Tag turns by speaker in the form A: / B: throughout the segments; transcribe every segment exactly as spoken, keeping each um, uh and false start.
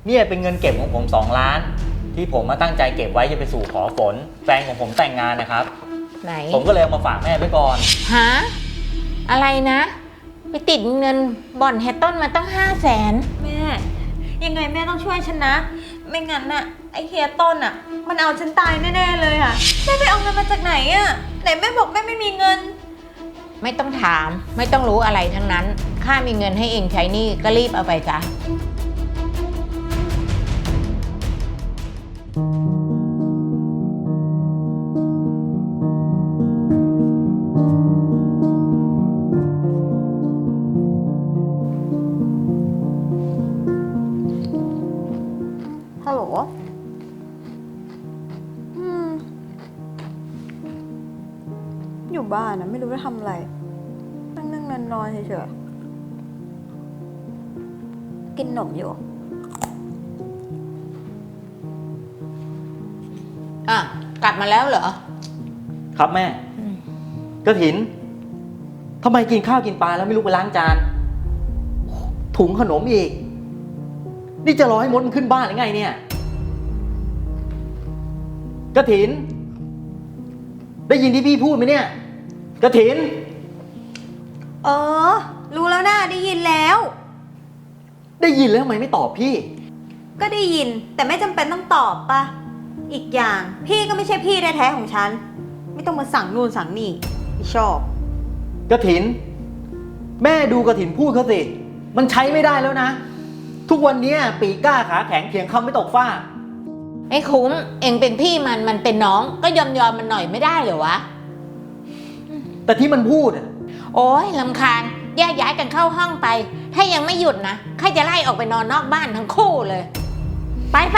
A: เนี่ยเป็นเงินเก็บของผมสองล้านที่ผมมาตั้งใจเก็บไว้จะไปสู่ขอฝนแฟนของผมแต่งงานนะครับ
B: ไหน
A: ผมก็เลยเอามาฝากแม่ไว้ก่อน
B: ฮะอะไรนะไปติดเงินบ่อนแฮตต้นมาตั้งห้าแสน
C: แม่ยังไงแม่ต้องช่วยฉันนะไม่งั้นน่ะไอเฮียต้นอ่ะมันเอาฉันตายแน่ๆเลยอ่ะแม่ไปเอาเงินมาจากไหนอ่ะไหนแม่บอกแม่ไม่มีเงิน
B: ไม่ต้องถามไม่ต้องรู้อะไรทั้งนั้นข้ามีเงินให้เองใช้หนี้ก็รีบเอาไปจ้ะ
C: ฮัลโหลอืมอยู่บ้านนะไม่รู้จะทำอะไรนั่งนั่งนอนนอนเฉยๆกินขนมอยู่
B: อ่ะกลับมาแล้วเหรอ
A: ครับแม่กฐินทำไมกินข้าวกินปลาแล้วไม่ลุกไปล้างจานถุงขนมอีกนี่จะรอให้มดมันขึ้นบ้านหรือไงเนี่ยกฐินได้ยินที่พี่พูดไหมเนี่ยกฐิน
C: เออรู้แล้วนะได้ยินแล้ว
A: ได้ยินแล้วทำไมไม่ตอบพี่
C: ก็ได้ยินแต่ไม่จำเป็นต้องตอบปะอีกอย่างพี่ก็ไม่ใช่พี่แท้ๆของฉันไม่ต้องมาสั่งนู่นสั่งนี่ไม่ชอบ
A: กฐินแม่ดูกฐินพูดเขาสิมันใช้ไม่ได้แล้วนะทุกวันนี้ปีกล้าขาแข็งเถียงคำไม่ตกฟ้า
B: ไอ้คุ้มเองเป็นพี่มันมันเป็นน้องก็ยอมยอมมันหน่อยไม่ได้เหรอวะ
A: แต่ที่มันพูด
B: โอ๊ยรำคาญแยกย้ายกันเข้าห้องไปถ้ายังไม่หยุดนะใครจะไล่ออกไปนอนนอกบ้านทั้งคู่เลยไปไป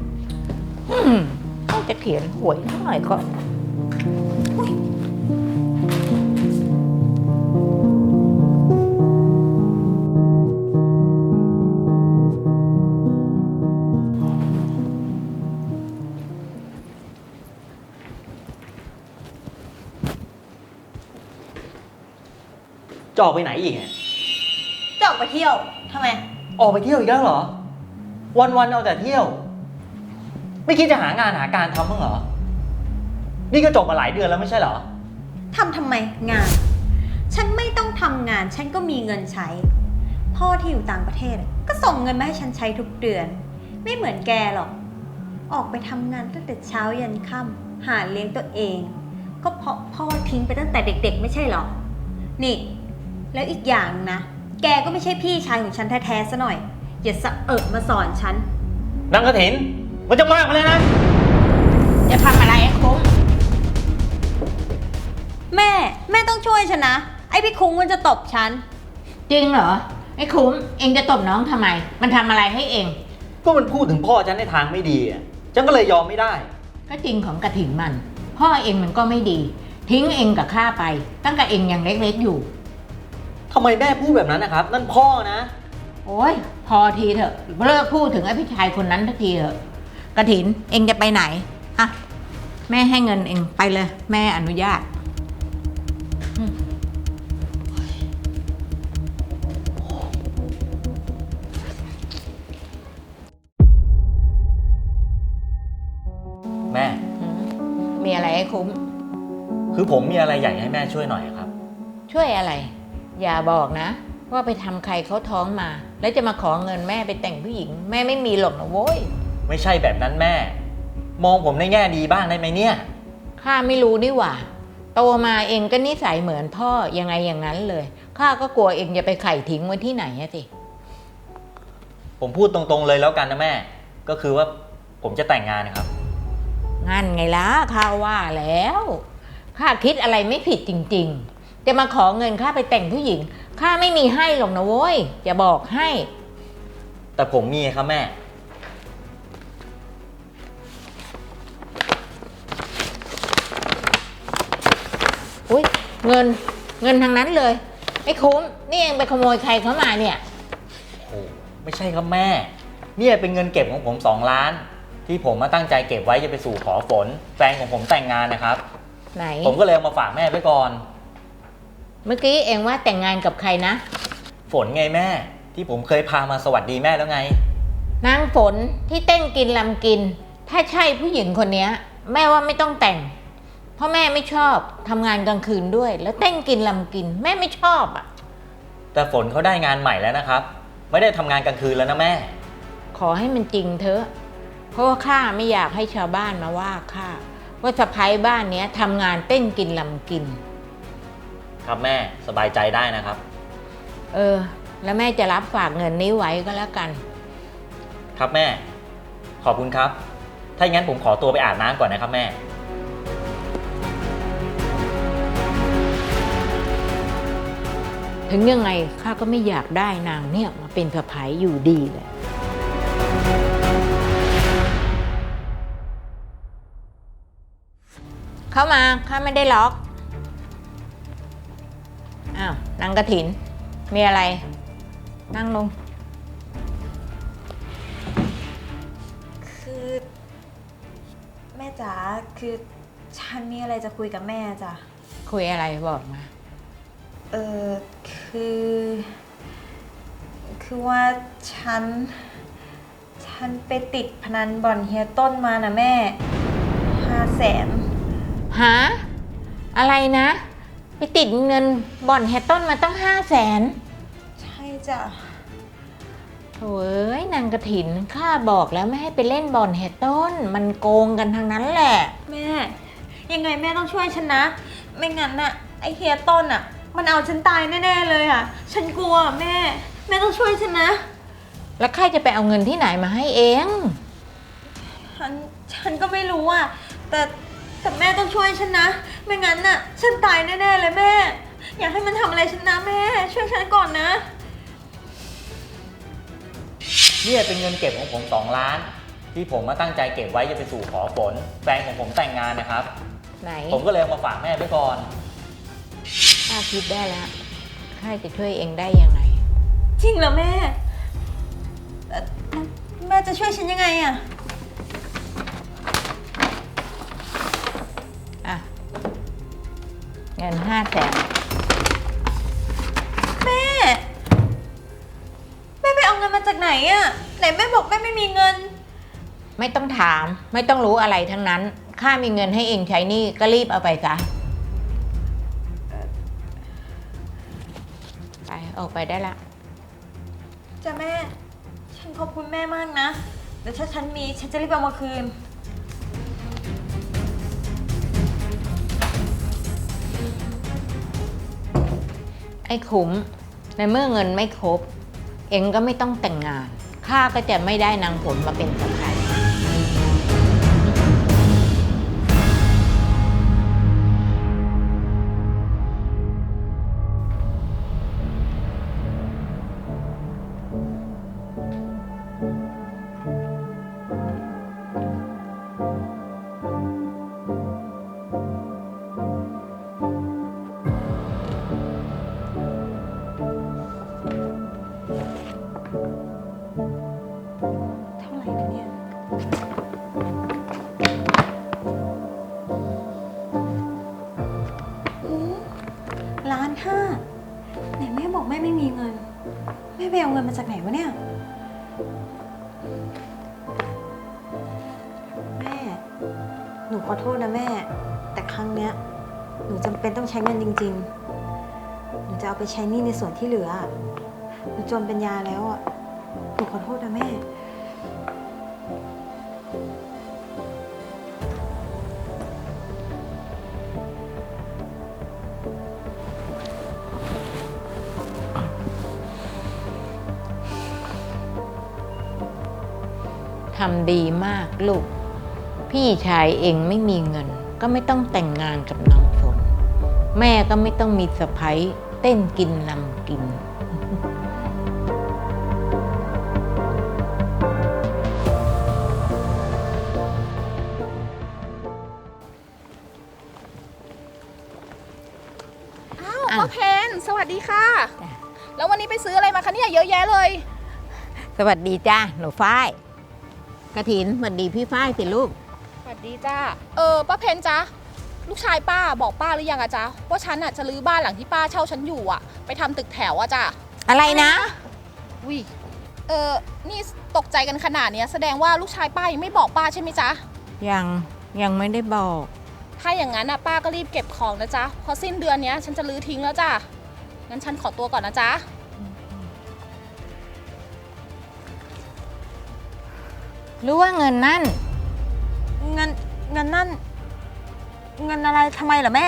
B: จะเขียนหวยสักหน่อยก็
A: จะออกไปไหนอีก
C: จะออกไปเที่ยวทำไม
A: ออกไปเที่ยวอีกแล้วเหรอวันๆเอาแต่เที่ยวไม่คิดจะหางานหาการทำบ้างเหรอนี่ก็จบมาหลายเดือนแล้วไม่ใช่เหรอ
C: ทำทำไมงานฉันไม่ต้องทำงานฉันก็มีเงินใช้พ่อที่อยู่ต่างประเทศก็ส่งเงินมาให้ฉันใช้ทุกเดือนไม่เหมือนแกหรอกออกไปทำงานตั้งแต่เช้ายันค่ำหาเลี้ยงตัวเองก็เพราะพ่อทิ้งไปตั้งแต่เด็กๆไม่ใช่หรอนี่แล้วอีกอย่างนะแกก็ไม่ใช่พี่ชายของฉันแท้ๆซะหน่อยอย่าสะเอิดมาสอนฉัน
A: นางกฐินมันจะมากไปเลยนะ
B: จะทำอะไรไอ้คุ้ม
C: แม่แม่ต้องช่วยฉันนะไอ้พี่คุ้งมันจะตบฉัน
B: จริงเหรอไอ้คุ้มเองจะตบน้องทำไมมันทำอะไรให้เอง
A: ก็มันพูดถึงพ่อฉันในทางไม่ดีอ่ะฉันก็เลยยอมไม่ได้
B: ก็จริงของกฐินมันพ่อเองมันก็ไม่ดีทิ้งเองกับข้าไปตั้งแต่เองยังเล็กๆอยู่
A: ทำไมแม่พูดแบบนั้นนะครับนั่นพ่อนะ
B: โอ๊ยพอทีเถอะเลิกพูดถึงไอ้พี่ชายคนนั้นทักทีเถอะกฐินเองจะไปไหนอะแม่ให้เงินเองไปเลยแม่อนุญาต
A: แม่
B: มีอะไรให้คุ้ม
A: คือผมมีอะไรอยากให้แม่ช่วยหน่อยครับ
B: ช่วยอะไรอย่าบอกนะว่าไปทำใครเขาท้องมาแล้วจะมาขอเงินแม่ไปแต่งผู้หญิงแม่ไม่มีหรอกนะโว้ย
A: ไม่ใช่แบบนั้นแม่มองผมในแง่ดีบ้างได้ไหมเนี่ย
B: ข้าไม่รู้นี่หว่าโตมาเองก็นิสัยเหมือนพ่อยังไงอย่างนั้นเลยข้าก็กลัวเองจะไปไข่ทิ้งไว้ที่ไหนอะสิ
A: ผมพูดตรงๆเลยแล้วกันนะแม่ก็คือว่าผมจะแต่งงานนะครับ
B: งั้นไงล่ะข้าว่าแล้วข้าคิดอะไรไม่ผิดจริงๆจะมาขอเงินข้าไปแต่งผู้หญิงข้าไม่มีให้หรอกนะโว้ยจะบอกให้
A: แต่ผมมีครับแม่
B: อุ้ยเงินเงินทางนั้นเลยไม่คุ้มนี่เองไปขโมยใครเข้ามาเนี่ย
A: โอ้ไม่ใช่ครับแม่เนี่ยเป็นเงินเก็บของผมสองล้านที่ผมมาตั้งใจเก็บไว้จะไปสู่ขอฝนแฟนของผมแต่งงานนะครับ
B: ไหน
A: ผมก็เลยเอามาฝากแม่ไว้ก่อน
B: เมื่อกี้เองว่าแต่งงานกับใครนะ
A: ฝนไงแม่ที่ผมเคยพามาสวัสดีแม่แล้วไง
B: นางฝนที่เต้นกินลำกิน ถ้าใช่ผู้หญิงคนนี้แม่ว่าไม่ต้องแต่ง เพราะแม่ไม่ชอบทำงานกลางคืนด้วย แล้วเต้นกินลำกิน แม่ไม่ชอบอ่ะ
A: แต่ฝนเขาได้งานใหม่แล้วนะครับ ไม่ได้ทำงานกลางคืนแล้วนะแม่
B: ขอให้มันจริงเถอะ เพราะว่าข้าไม่อยากให้ชาวบ้านมาว่าข้าว่าสะพ้ายบ้านเนี้ยทำงานเต้นกินลำกิน
A: ครับแม่สบายใจได้นะครับ
B: เออ แล้วแม่จะรับฝากเงินนี้ไว้ก็แล้วกัน
A: ครับแม่ ขอบคุณครับ ถ้าอย่างนั้นผมขอตัวไปอาบน้ำก่อนนะครับแม่
B: ถึงยังไงข้าก็ไม่อยากได้นางเนี่ยมาเป็นสะพ้ายอยู่ดีเลยเข้ามาข้าไม่ได้ล็อกอ้าวนางกระถิน มีอะไร นั่งลง
C: คือ แม่จ๋าคือฉันมีอะไรจะคุยกับแม่จ้ะ
B: คุยอะไรบอกมา
C: เออคือ คือว่าฉัน ฉันไปติดพนันบ่อนเฮียต้นมานะแม่ห้าแสน
B: หา อะไรนะ ไปติดเงินบ่อนแฮตต้นมาตั้งห้าแสน
C: ใช่จ้ะ
B: โถ่เอ้ยนางกระถินข้าบอกแล้วไม่ให้ไปเล่นบ่อนแฮตต้น มันโกงกันทางนั้นแหละ
C: แม่ ยังไงแม่ต้องช่วยฉันนะ ไม่งั้นน่ะไอเฮียต้นอ่ะ มันเอาฉันตายแน่ๆเลยอ่ะ ฉันกลัวแม่ แม่ต้องช่วยฉันนะ
B: แล้วใครจะไปเอาเงินที่ไหนมาให้เอง
C: ฉัน ฉันก็ไม่รู้อ่ะ แต่แต่แม่ต้องช่วยฉันนะ ไม่งั้นน่ะ ฉันตายแน่ๆเลยแม่ อยากให้มันทำอะไรฉันนะแม่ ช่วยฉันก่อนนะ
A: เนี่ยเป็นเงินเก็บของผมสองล้าน ที่ผมมาตั้งใจเก็บไว้จะไปสู่ขอฝนแฟนของผมแต่งงานนะครับ
B: ไหน
A: ผมก็เลยเอามาฝากแม่ไว้ก่อน
B: ข้าคิดได้แล้วข้าจะช่วยเองได้ยังไง
C: จริงเหรอแม่เอ่อแม่จะช่วยฉันยังไงอ่ะ
B: อ่ะ เงินห้าแสน
C: แม่ แม่ไปเอาเงินมาจากไหนอ่ะ ไหนแม่บอกแม่ไม่มีเงิน
B: ไม่ต้องถาม ไม่ต้องรู้อะไรทั้งนั้น ข้ามีเงินให้เองใช้หนี่ก็รีบเอาไปซะ ไปออกไปได้ละ
C: จ้ะแม่ ฉันขอบคุณแม่มากนะ เดี๋ยวถ้าฉันมีฉันจะรีบเอามาคืน
B: ไอ้ขุม ในเมื่อเงินไม่ครบ เองก็ไม่ต้องแต่งงาน ข้าก็จะไม่ได้นางผลมาเป็นสะใภ้
C: เท่าไหร่นะเนี่ยหือล้านห้าไหนแม่บอกแม่ไม่มีเงิน แม่ไปเอาเงินมาจากไหนวะเนี่ย แม่ หนูขอโทษนะแม่ แต่ครั้งเนี้ย หนูจำเป็นต้องใช้เงินจริงๆ หนูจะเอาไปใช้หนี้ในส่วนที่เหลือ หนูจนเป็นยาแล้วอ่ะ หนูขอโทษนะแม่
B: ทำดีมากลูก พี่ชายเองไม่มีเงิน ก็ไม่ต้องแต่งงานกับนางฝน แม่ก็ไม่ต้องมีสะใภ้เต้นกินลำกิน
D: อ้าว
B: อ้าว
D: ป้าเพนสวัสดีค่ะ
B: จ้ะ
D: แล้ววันนี้ไปซื้ออะไรมาคะเนี่ยเยอะแยะเลย
B: สวัสดีจ้าหนูฝ้ายกระถินสวัสดีพี่ฝ้ายสิลูก
D: สวัสดีจ้าเออป้าเพนจ๊ะลูกชายป้าบอกป้าหรือยังอะจ๊ะว่าฉันอะจะรื้อบ้านหลังที่ป้าเช่าฉันอยู่อะไปทำตึกแถวอะจ้ะ
B: อะไรนะ
D: วิเเออนี่ตกใจกันขนาดเนี้ยแสดงว่าลูกชายป้ายังไม่บอกป้าใช่ไหมจ๊ะ
B: ยังยังไม่ได้บอก
D: ถ้าอย่างนั้นนะป้าก็รีบเก็บของนะจ๊ะเพอสิ้นเดือนเนี้ยฉันจะรื้อทิ้งแล้วจ้ะงั้นฉันขอตัวก่อนนะจ๊ะ
B: รู้ว่าเงินนั่น
C: เงินเงินนั่น เงินอะไรทำไมเหรอแม่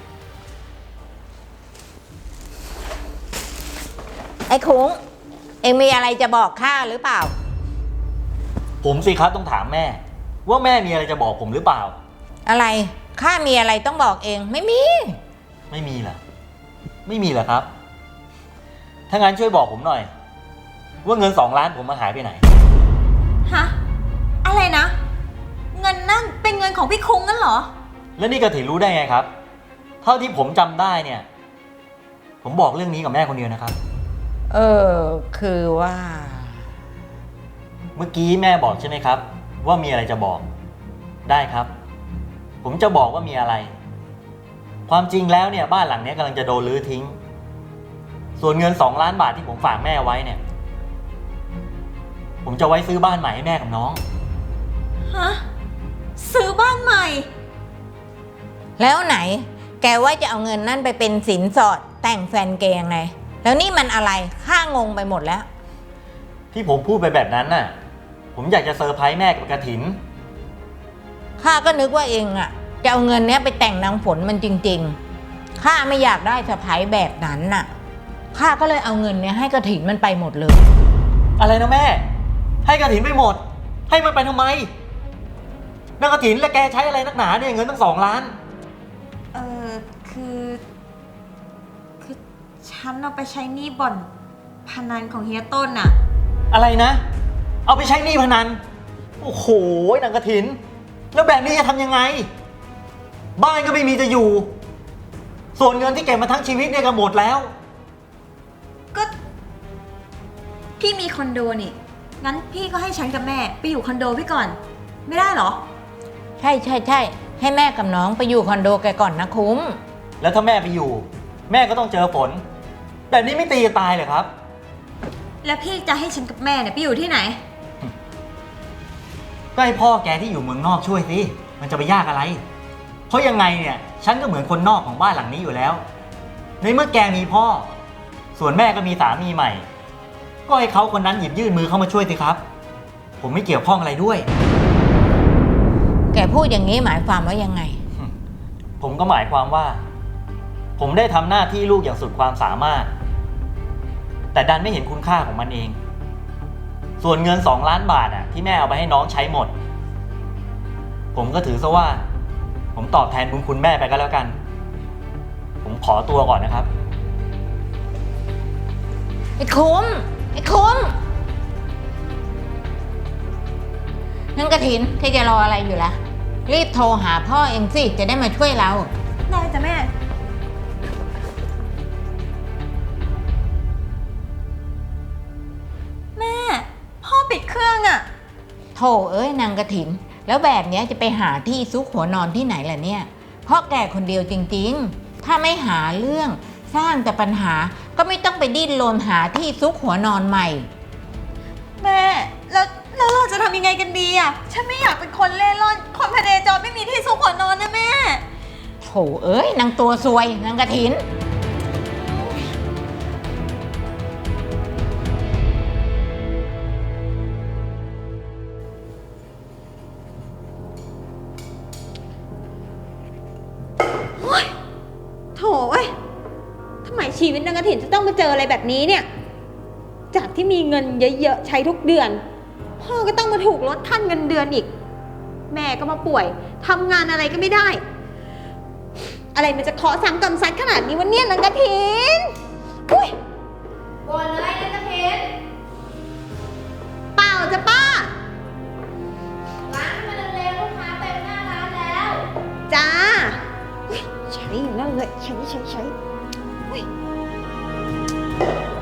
B: ไอ้คุ้งเอ็งมีอะไรจะบอกข้าหรือเปล่า
A: ผมสิครับต้องถามแม่ ว่าแม่มีอะไรจะบอกผมหรือเปล่า
B: อะไรข้ามีอะไรต้องบอกเองไม่มี
A: ไม่มีเหรอไม่มีเหรอครับ ถ้างั้นช่วยบอกผมหน่อย ว่าเงินสองล้านผมมาหายไปไหน
C: ฮะ อะไรนะ เงินนั่นเป็นเงินของพี่คุ้งงั้นเหรอ
A: แล้วนี่กระถินรู้ได้ไงครับ เท่าที่ผมจำได้เนี่ย ผมบอกเรื่องนี้กับแม่คนเดียวนะครับ
B: เออคือว่า
A: เมื่อกี้แม่บอกใช่ไหมครับ ว่ามีอะไรจะบอก ได้ครับ ผมจะบอกว่ามีอะไร ความจริงแล้วเนี่ยบ้านหลังนี้กำลังจะโดนรื้อทิ้ง ส่วนเงินสองล้านบาทที่ผมฝากแม่ไว้เนี่ย ผมจะไว้ซื้อบ้านใหม่ให้แม่กับน้อง
C: ฮะ ซื้อบ้านใหม่
B: แล้วไหน แกว่าจะเอาเงินนั่นไปเป็นสินสอดแต่งแฟนแกยังไง แล้วนี่มันอะไรข้างงไปหมดแล้ว
A: ที่ผมพูดไปแบบนั้นน่ะ ผมอยากจะเซอร์ไพรส์แม่กับกระถิน
B: ข้าก็นึกว่าเองอะจะเอาเงินเนี้ยไปแต่งนางฝนมันจริงๆข้าไม่อยากได้สะพ้ายแบบนั้นน่ะข้าก็เลยเอาเงินเนี้ยให้กระถินมันไปหมดเลย
A: อะไรนะแม่ ให้กระถินไปหมด ให้มันไปทำไมนางกระถินและแกใช้อะไรนักหนาเนี่ยเงินตั้งสองล้าน
C: เออคือ คือ ฉันเอาไปใช้หนี้บ่อนพนันของเฮียต้นน่ะ
A: อะไรนะ เอาไปใช้หนี้พนัน โอ้โหนางกระถิน แล้วแบบนี้จะทำยังไง บ้านก็ไม่มีจะอยู่ ส่วนเงินที่เก็บมาทั้งชีวิตเนี่ยก็หมดแล้ว
C: ก็ พี่มีคอนโดนี่ งั้นพี่ก็ให้ฉันกับแม่ไปอยู่คอนโดพี่ก่อน ไม่ได้เหรอ
B: ใช่ใช่ใช่ให้แม่กับน้องไปอยู่คอนโดแกก่อนนะคุ้ม
A: แล้วถ้าแม่ไปอยู่ แม่ก็ต้องเจอฝน แบบนี้ไม่ตีกันตายเหรอครับ
C: แล้วพี่จะให้ฉันกับแม่เนี่ยไปอยู่ที่ไหน
A: ก็ให้พ่อแกที่อยู่เมืองนอกช่วยสิ มันจะไปยากอะไร เพราะยังไงเนี่ย ฉันก็เหมือนคนนอกของบ้านหลังนี้อยู่แล้ว ในเมื่อแกมีพ่อ ส่วนแม่ก็มีสามีใหม่ ก็ให้เขาคนนั้นหยิบยื่นมือเข้ามาช่วยสิครับ ผมไม่เกี่ยวข้องอะไรด้วย
B: แกพูดอย่างนี้หมายความว่ายังไง
A: ผมก็หมายความว่า ผมได้ทำหน้าที่ลูกอย่างสุดความสามารถ แต่ดันไม่เห็นคุณค่าของมันเอง ส่วนเงินสองล้านบาทอ่ะที่แม่เอาไปให้น้องใช้หมด ผมก็ถือซะว่า ผมตอบแทนบุญคุณแม่ไปก็แล้วกัน ผมขอตัวก่อนนะครับ
B: ไอ้คุ้มไอ้คุ้มนั่นกระถินแกจะรออะไรอยู่ล่ะ รีบโทรหาพ่อเองสิจะได้มาช่วยเรา
C: ได้จ้ะแม่ แม่ พ่อปิดเครื่องอะ
B: โถเอ้ยนางกระถิน แล้วแบบเนี้ยจะไปหาที่ซุกหัวนอนที่ไหนล่ะเนี่ย เพราะแกคนเดียวจริงๆ ถ้าไม่หาเรื่องสร้างแต่ปัญหาก็ไม่ต้องไปดิ้นรนหาที่ซุกหัวนอนใหม่
C: แม่ แล้วแล้วเราจะทำยังไงกันดีอะฉันไม่อยากเป็นคนเล่ร่อน คนพเนจรไม่มีที่ซุกหัวนอนนะแม่
B: โถเอ้ยนางตัวซวยนางกระถิน
C: โถเอ้ยทำไมชีวิตนางกระถินจะต้องมาเจออะไรแบบนี้เนี่ย จากที่มีเงินเยอะๆใช้ทุกเดือน พ่อก็ต้องมาถูกลดขั้นเงินเดือนอีก แม่ก็มาป่วยทำงานอะไรก็ไม่ได้ อะไรมันจะเคาะซ้ำกำซัดขนาดนี้วะเนี่ยนางกระถินอุ้ย
D: บ่นเลยนะกระเทน
C: เปล่าจ้ะป้า
D: ร้านมันเร็วลูกค้าเต็มหน้าร้านแล้ว
C: จ้าอุ๊ยใช้อยู่นั่นเลยใช้ใช้ใช้อุ๊ย